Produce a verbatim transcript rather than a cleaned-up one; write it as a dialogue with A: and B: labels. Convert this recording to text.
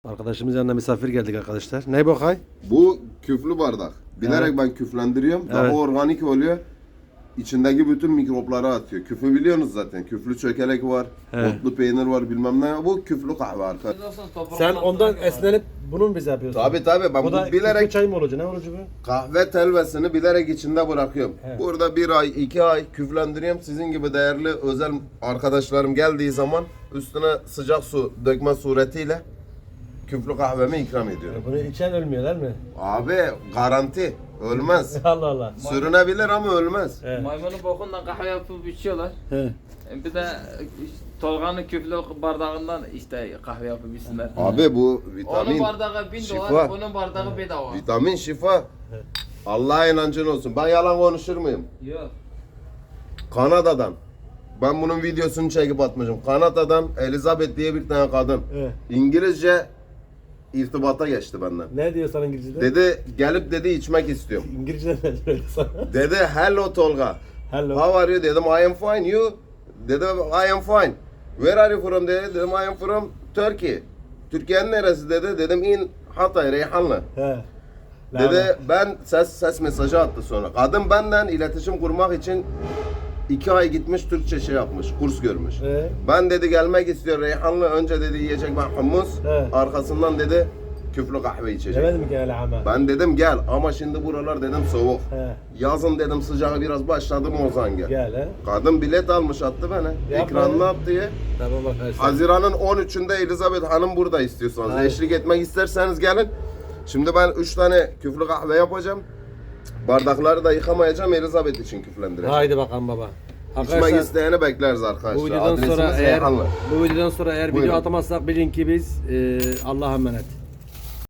A: Arkadaşımız yanına misafir geldik arkadaşlar. Ne bu hay?
B: Bu küflü bardak. Bilerek
A: Evet.
B: ben küflendiriyorum. Daha
A: Evet.
B: organik oluyor. İçindeki bütün mikropları atıyor. Küfü biliyorsunuz zaten. Küflü çökelek var,
A: Evet.
B: otlu peynir var bilmem ne. Bu küflü kahve arkadaşlar.
A: Sen ondan esnenip bunu mu bize yapıyorsun?
B: Tabi tabi ben
A: Bu da
B: bu bilerek
A: çay mı olacak? Ne olacak bu?
B: kahve telvesini bilerek içinde bırakıyorum.
A: Evet.
B: Burada bir ay, iki ay küflendiriyorum. Sizin gibi değerli özel arkadaşlarım geldiği zaman üstüne sıcak su dökme suretiyle küflü kahvemi ikram ediyorum.
A: Bunu içen ölmüyor değil mi?
B: Abi garanti. Ölmez.
A: Allah Allah.
B: Sürünebilir ama ölmez.
A: Evet.
C: Maymunun bokundan kahve yapıp içiyorlar.
A: He.
C: Bir de Tolga'nın küflü bardağından işte kahve yapıp içsinler.
B: Abi bu
C: Onun
B: vitamin,
C: bardağı bin
B: şifa.
C: dolar, onun bardağı bedava.
B: Vitamin şifa. Allah'a inancın olsun. Ben yalan konuşur muyum?
C: Yok.
B: Kanada'dan. Ben bunun videosunu çekip atmışım. Kanada'dan Elizabeth diye bir tane kadın.
A: Evet.
B: İngilizce irtibata geçti benden.
A: Ne diyor sana İngilizce'de?
B: Dedi gelip dedi içmek istiyorum.
A: İngilizce'de ne diyor sana?
B: Dedi hello Tolga.
A: Hello.
B: How are you? Dedim I am fine. You? Dedi I am fine. Where are you from? Dedi. Dedim I am from Turkey. Türkiye'nin neresi dedi. Dedim in Hatay, Reyhanlı.
A: He.
B: Dedi ben ses ses mesajı attı sonra. Kadın benden iletişim kurmak için iki ay gitmiş Türkçe şey yapmış, kurs görmüş.
A: Ee?
B: Ben dedi gelmek istiyor Reyhanlı. Önce dedi yiyecek ben hummus.
A: Evet.
B: Arkasından dedi küflü kahve içecek.
A: Demedim ki öyle ama.
B: Ben dedim gel ama şimdi buralar dedim soğuk.
A: He.
B: Yazın dedim sıcağı biraz başladı mı o zaman gel.
A: Gel he.
B: Kadın bilet almış attı bana.
A: Yapma
B: Ekranını
A: ya.
B: attı diye.
A: Tamam arkadaşlar.
B: Haziran'ın on üçünde Elizabeth Hanım burada istiyorsanız.
A: Hayır.
B: Eşlik etmek isterseniz gelin. Şimdi ben üç tane küflü kahve yapacağım. Bardakları da yıkamayacağım Elizabeth için küflendireceğim.
A: Haydi bakalım baba.
B: İçmek isteyeni bekleriz arkadaşlar.
A: bu videodan sonra
B: Adresimiz
A: eğer
B: Reyhanlı.
A: bu videodan sonra eğer
B: Buyurun.
A: video atamazsak bilin ki biz e, Allah'a emanet.